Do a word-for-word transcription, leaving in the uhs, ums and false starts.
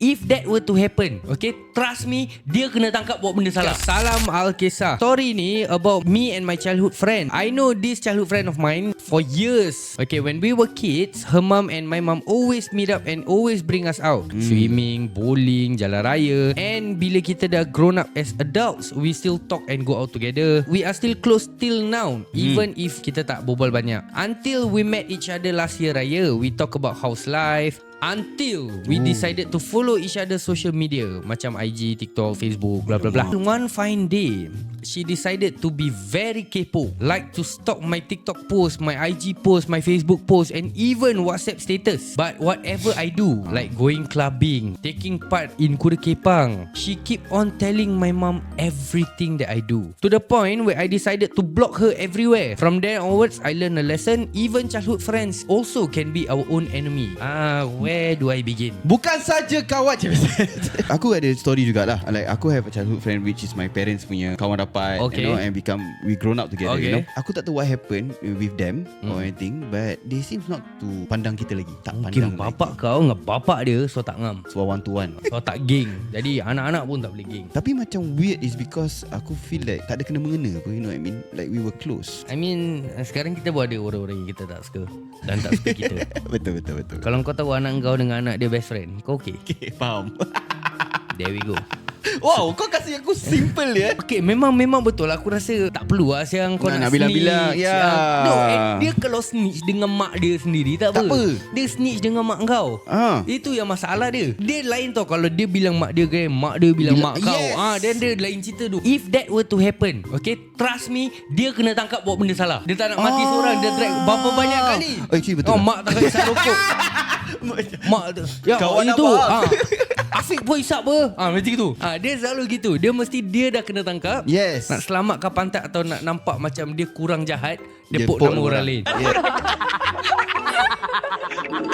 If that were to happen, okay, trust me, dia kena tangkap buat benda salah. Salam Al-Kisah. Story ni about me and my childhood friend. I know this childhood friend of mine for years. Okay, when we were kids, her mum and my mum always meet up and always bring us out. Mm. Swimming, bowling, jalan raya. And bila kita dah grown up as adults, we still talk and go out together. We are still close till now, mm. even if kita tak berbual banyak. Until we met each other last year raya, we talk about house life. Until we Ooh. decided to follow each other's social media, macam I G, TikTok, Facebook, blah blah blah. One fine day, she decided to be very kepo, like to stalk my TikTok post, my I G post, my Facebook post, and even WhatsApp status. But whatever I do, like going clubbing, taking part in Kuda Kepang, she keep on telling my mom everything that I do, to the point where I decided to block her everywhere. From there onwards, I learned a lesson. Even childhood friends also can be our own enemy. Ah, where Where do I begin? Bukan saja kawan. Aku ada story jugalah. Like aku have a childhood friend which is my parents punya kawan rapat, okay. you know, and become we grown up together, okay. you know. Aku tak tahu what happened with them hmm. or anything, but they seems not to pandang kita lagi. Tak mungkin pandang bapak lagi. kau dengan bapak dia so tak ngam. So one to one. So tak geng. Jadi anak-anak pun tak boleh geng. Tapi macam weird is because aku feel like tak ada kena mengena apa, you know what I mean? Like we were close. I mean, sekarang kita pun ada orang-orang yang kita tak suka dan tak suka kita. Betul betul betul. Kalau kau tahu anak kau dengan anak dia best friend, kau okay? Okay, faham. There we go. Wow, kau kasih aku simple ya. Okay, memang memang betul. Aku rasa tak perlu lah siang kau nak, nak, nak snitch. bilang-bilang. Ya. No, and dia kalau snitch dengan mak dia sendiri tak, tak apa. apa. Dia snitch dengan mak kau. Ah. Itu yang masalah dia. Dia lain tau kalau dia bilang mak dia kan, mak dia bilang Bila, mak kau. yes. Ah, dan dia lain cerita tu. If that were to happen, okay, trust me, dia kena tangkap buat benda salah. Dia tak nak mati ah. seorang, dia drag berapa banyak kali. Oh, actually betul. Oh, mak tak isap rokok. Mak tu. Ya, kawan itu. abang. Ah. Afiq pun isap apa? Ah, macam tu. Ah, dia selalu gitu. Dia mesti dia dah kena tangkap. Yes. Nak selamatkan pantat atau nak nampak macam dia kurang jahat, dia, Dia pok pok nama orang orang. lain. Yeah.